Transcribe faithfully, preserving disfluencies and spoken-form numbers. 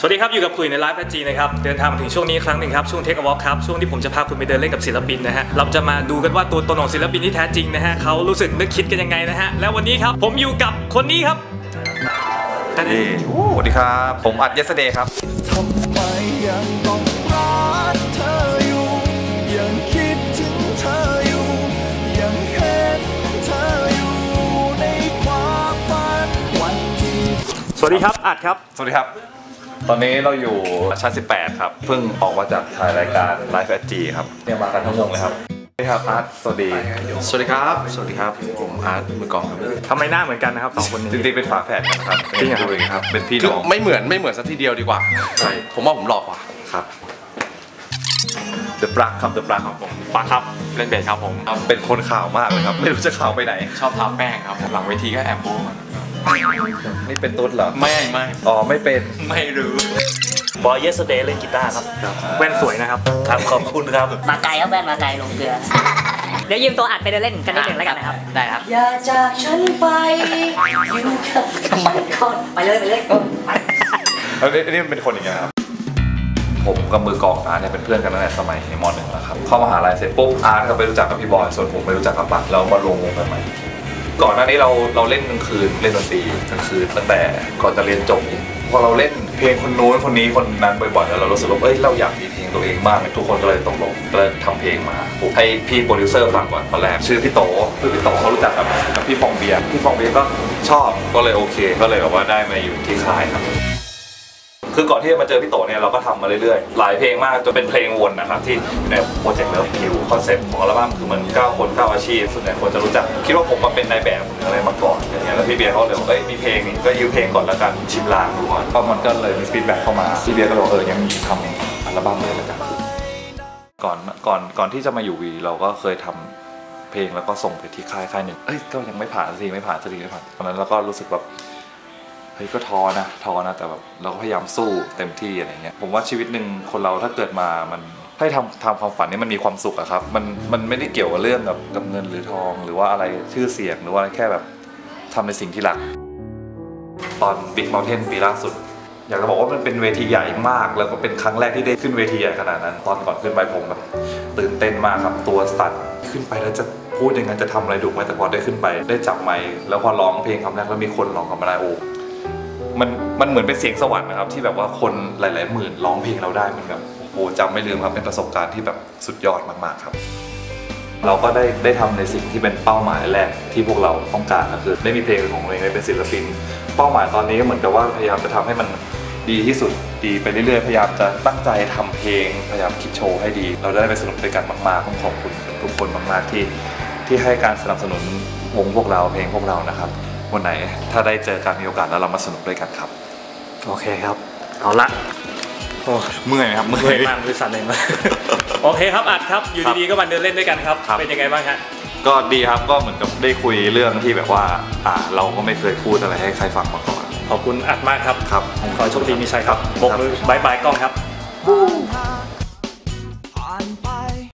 สวัสดีครับอยู่กับคุยในไลฟ์แฟจีนะครับเดินทางมาถึงช่วงนี้ครั้งหนึ่งครับช่วงเทคอวอล์คครับช่วงที่ผมจะพาคุณไปเดินเล่นกับศิลปินนะฮะเราจะมาดูกันว่าตัวตนของศิลปินที่แท้จริงนะฮะเขารู้สึกนึกคิดกันยังไงนะฮะแล้ววันนี้ครับผมอยู่กับคนนี้ครับสวัสดีครับผมอัดเยสเดย์ครับทำไมยังต้องรักเธออยู่ยังคิดถึงเธออยู่ยังเห็นเธออยู่ในความฝันวันที่สวัสดีครับอัดครับสวัสดีครับตอนนี้เราอยู่ชั้นสิบแปดครับเพิ่งออกมาจากถ่ายรายการไลฟ์แฟจีครับเนี่ยมากันทั้งวงเลยครับสวัสดีครับอาร์ตสวัสดีสวัสดีครับสวัสดีครับผมอาร์ตมือกองครับทำไมหน้าเหมือนกันนะครับสองคนนี้จริงๆเป็นฝาแฝดกันครับจริงเหรอครับเป็นพี่น้องไม่เหมือนไม่เหมือนสักทีเดียวดีกว่าใช่ผมว่าผมหลอกกว่าครับเดอะปลั๊กครับเดอะปลั๊กครับผมปลั๊กครับเล่นเบสครับผมเป็นคนข่าวมากเลยครับไม่รู้จะข่าวไปไหนชอบทาแป้งครับหลังเวทีก็แอบโป๊นี่เป็นตุ๊ดเหรอไม่ไม่อ๋อไม่เป็นไม่รู้บอยเยสเดย์เล่นกีตาร์ครับแว่นสวยนะครับครับขอบคุณครับมาไกลครับแว่นมาไกลลงเกลือเดี๋ยวยืมตัวอัดไปเดินเล่นกันนิดหนึ่งแล้วกันนะครับได้ครับอย่าจากฉันไปอยู่กับมันก่อนไปเลยไปเลยแล้วนี่เป็นคนอย่างไงครับผมกับมือกองอาร์ตเนี่ยเป็นเพื่อนกันตั้งแต่สมัยม.หนึ่งแล้วครับเข้ามหาลัยเสร็จปุ๊บอาร์ตก็ไปรู้จักกับพี่บอยส่วนผมไปรู้จักกับปั๊กแล้วมารวมวงกันใหม่ก่อนหน้านี้เราเราเล่นกลางคืนเล่นดนตรีกลางคืนตั้งแต่ก่อนจะเรียนจบพอเราเล่นเพลงคนนู้นคนนี้คนนั้นบ่อยๆแล้วเรารู้สึกว่าเอ้ยเราอยากมีเพลงตัวเองบ้างทุกคนก็เลยตกลงก็เลยทำเพลงมาให้พี่โปรดิวเซอร์ฟังก่อนตอนแรกชื่อพี่โตคือพี่โตเขารู้จักกับกับพี่ฟองเบียร์พี่ฟองเบียร์ก็ชอบก็เลยโอเคก็เลยแบบว่าได้มาอยู่ที่ค่ายครับคือก่อนที่จะมาเจอพี่โตเนี่ยเราก็ทำมาเรื่อยๆหลายเพลงมากจนเป็นเพลงวนนะครับที่ในโปรเจกต์เลิฟคิวคอนเซ็ปต์ของอัลบั้มคือมันเก้าคนเก้าอาชีพส่วนใหญ่คนจะรู้จักคิดว่าผมมาเป็นนายแบบหรืออะไรมาก่อนอย่างเงี้ยแล้วพี่เบียร์เขาเลยบอกเอ้ยมีเพลงนี่ก็ยืมเพลงก่อนแล้วกันชิมลางดูก่อนก็มันก็เลยมีฟีดแบ็กเข้ามาพี่เบียร์ก็บอกเออยังมีทำอัลบั้มเลยแล้วกันก่อนก่อนก่อนที่จะมาอยู่วีเราก็เคยทำเพลงแล้วก็ส่งไปที่ค่ายค่ายหนึ่งเอ้ยก็ยังไม่ผ่านสิไม่ผ่านสิไม่ผ่านตอนนั้นเราก็รู้สึกแบบเฮ้ยก็ท้อนะท้อนะแต่แบบเราก็พยายามสู้เต็มที่อะไรเงี้ยผมว่าชีวิตหนึ่งคนเราถ้าเกิดมามันให้ทำทำความฝันนี่มันมีความสุขอะครับมันมันไม่ได้เกี่ยวกับเรื่องกับกับเงินหรือทองหรือว่าอะไรชื่อเสียงหรือว่าแค่แบบทำในสิ่งที่รักตอน Big Mountain ปีล่าสุดอยากจะบอกว่ามันเป็นเวทีใหญ่มากแล้วก็เป็นครั้งแรกที่ได้ขึ้นเวทีใหญ่ขนาดนั้นตอนก่อนขึ้นไปผมแบบตื่นเต้นมากครับตัวสั่นขึ้นไปแล้วจะพูดยังไงจะทำอะไรถูกไหมแต่พอได้ขึ้นไปได้จับไมค์แล้วพอร้องเพลงคำแรกแล้วมีคนร้องกับมาได้โอ้มันมันเหมือนเป็นเสียงสวรรค์นะครับที่แบบว่าคนหลายๆหมื่นร้องเพลงเราได้มันแบบโอ้จำไม่ลืมครับเป็นประสบการณ์ที่แบบสุดยอดมากๆครับเราก็ได้ได้ทำในสิ่งที่เป็นเป้าหมายแรกที่พวกเราต้องการก็คือได้มีเพลงของตัวเองได้เป็นศิลปินเป้าหมายตอนนี้ก็เหมือนกับว่าพยายามจะทำให้มันดีที่สุดดีไปเรื่อยๆพยายามจะตั้งใจทำเพลงพยายามคิดโชว์ให้ดีเราได้ไปสนุกด้วยกันมากๆต้องขอบคุณทุกคนมากๆที่ที่ให้การสนับสนุนวงพวกเราเพลงพวกเรานะครับวันไหนถ้าได้เจอกันมีโอกาสแล้วเรามาสนุกด้วยกันครับโอเคครับเอาละโอ้เมื่อยครับเมื่อยมากบริษัทเลยมาโอเคครับอัดครับอยู่ดีๆก็มาเดินเล่นด้วยกันครับเป็นยังไงบ้างฮะก็ดีครับก็เหมือนกับได้คุยเรื่องที่แบบว่าอ่าเราก็ไม่เคยพูดอะไรให้ใครฟังมาก่อนขอบคุณอัดมากครับครับขอโชคดีมีชัยครับบกมือบายบายกล้องครับ